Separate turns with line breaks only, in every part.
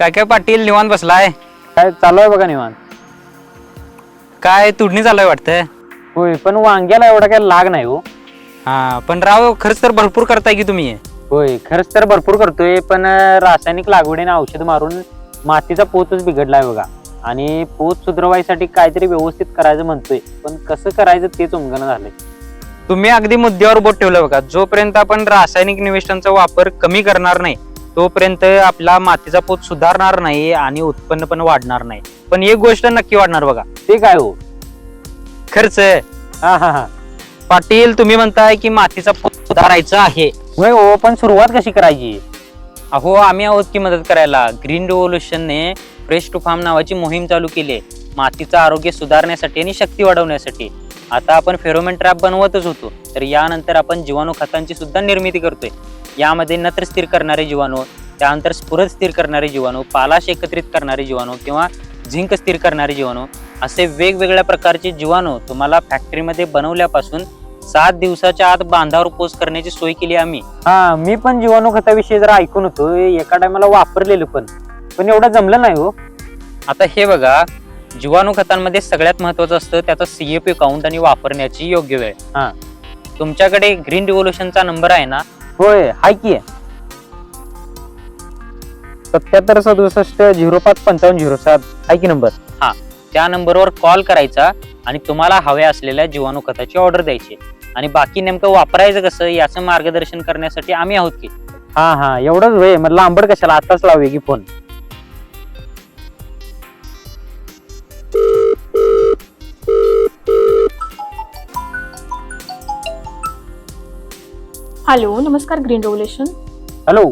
काय काय पाटील निवांत बसलाय?
काय चालू आहे बघा निवांत.
काय तुडणी चालू आहे वाटतंय?
होय, पण वांग्याला एवढा काय लाग नाही हो.
हा पण राव खरंच तर भरपूर करताय की तुम्ही.
होय, खरंच तर भरपूर करतोय, पण रासायनिक लागवडीने औषध मारून मातीचा पोतच बिघडलाय बघा. आणि पोत सुधारवायसाठी काहीतरी व्यवस्थित करायचं म्हणतोय, पण कसं करायचं तेच उमगणं झालंय.
तुम्ही अगदी मुद्द्यावर बोट ठेवलं बघा. जोपर्यंत आपण रासायनिक निविष्ठांचा वापर कमी करणार नाही तोपर्यंत आपला मातीचा पोत सुधारणार नाही आणि उत्पन्न पण वाढणार नाही. पण एक गोष्ट नक्की वाढणार बघा.
ते काय हो?
खर्च.
हा हा हा.
पाटील तुम्ही म्हणताय की मातीचा पोत सुधारायचा आहे.
होय हो, पण सुरुवात कशी करायची?
अहो आम्ही आहोत की मदत करायला. ग्रीन रिव्होल्युशनने फ्रेश टू फार्म नावाची मोहीम चालू केली आहे मातीचं आरोग्य सुधारण्यासाठी आणि शक्ती वाढवण्यासाठी. आता आपण फेरोमेन ट्रॅप बनवतच होतो, तर यानंतर आपण जीवाणू खतांची सुद्धा निर्मिती करतोय. यामध्ये नत्र स्थिर करणारे जीवाणू, त्यानंतर स्फुरद स्थिर करणारे जीवाणू, पालाश एकत्रित करणारे जीवाणू किंवा झिंक स्थिर करणारे जीवाणू असे वेगवेगळ्या प्रकारचे जीवाणू तुम्हाला फॅक्टरीमध्ये बनवल्यापासून 7 दिवसाच्या आत बांधावर पोस्ट करण्याची सोय केली आम्ही.
हा, मी पण जीवाणू खताविषयी जरा ऐकून होतो, एका टायमाला वापरलेलं पण एवढं जमलं नाही हो.
आता हे बघा, जीवाणू खतांमध्ये सगळ्यात महत्वाचं असतं त्याचा CAP काउंट आणि वापरण्याची योग्य वेळ.
हा,
तुमच्याकडे ग्रीन रिव्होल्युशनचा नंबर आहे ना?
होय हाय की. 77 67 05 55 07 आहे की नंबर?
हा, त्या नंबरवर कॉल करायचा आणि तुम्हाला हव्या असलेल्या जीवाणू खताची ऑर्डर द्यायची आणि बाकी नेमकं वापरायचं कसं याचं मार्गदर्शन करण्यासाठी आम्ही आहोत की.
हा हा, एवढंच होय. मग लांबड कशाला, आताच लावूया की फोन.
हॅलो, नमस्कार ग्रीन रिव्होल्युशन.
हॅलो.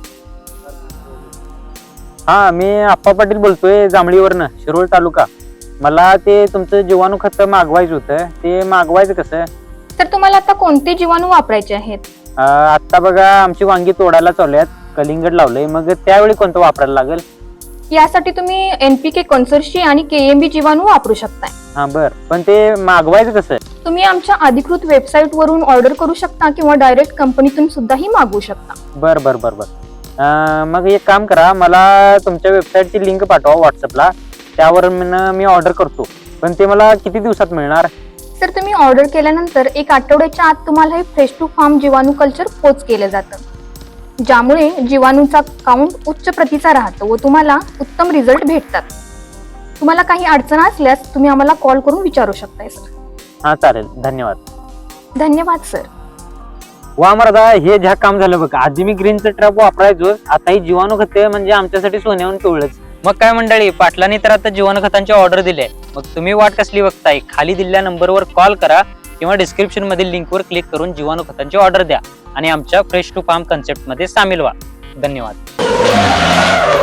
हा, मी आप्पा पाटील बोलतोय जांभळीवरनं, शिरोळ तालुका. मला ते तुमचं जीवाणू खत मागवायचं होतं, ते मागवायचं कसं?
तर तुम्हाला आता कोणते जीवाणू वापरायचे आहेत?
आता बघा आमची वांगी तोडायला चालू आहेत, कलिंगड लावलंय, मग त्यावेळी कोणतं वापरायला लागेल?
यासाठी तुम्ही NPK कॉन्सर्शी आणि KMB जीवाणू वापरू शकताय.
हा बर, पण ते मागवायचं कसं?
तुम्ही आमच्या अधिकृत वेबसाईट वरून ऑर्डर करू शकता किंवा डायरेक्ट कंपनीतून सुद्धाही मागवू शकता.
बर बर बर बर. मग एक काम करा, मला तुमच्या वेबसाईटची लिंक पाठवा व्हॉट्सअपला, त्यावर मी ऑर्डर करतो. पण ते मला किती दिवसात मिळणार?
तर तुम्ही ऑर्डर केल्यानंतर 1 आठवड्याच्या आत तुम्हाला हे फ्रेश टू फार्म जीवाणू कल्चर पोच केलं जातं, ज्यामुळे जीवाणूचा काउंट उच्च प्रतीचा राहतो व तुम्हाला उत्तम रिझल्ट भेटतात. तुम्हाला काही अडचण असल्यास तुम्ही आम्हाला कॉल करून विचारू शकताय सर.
हा चालेल, धन्यवाद.
धन्यवाद सर.
वा मर्दा, हे ज्या काम झालं बघा. आधी मी ग्रीनचं ट्रॅप वापरायचो, आता ही जीवाणू खते म्हणजे आमच्यासाठी सोन्याहून पिवळंच.
मग काय मंडळी, पाटलांनी तर आता जीवाणू खतांची ऑर्डर दिली. मग तुम्ही वाट कसली बघताय? खाली दिलेल्या नंबरवर कॉल करा किंवा डिस्क्रिप्शन मधील लिंकवर क्लिक करून जीवाणू खतांची ऑर्डर द्या आणि आमच्या फ्रेश टू फार्म कन्सेप्ट मध्ये सामील व्हा. धन्यवाद.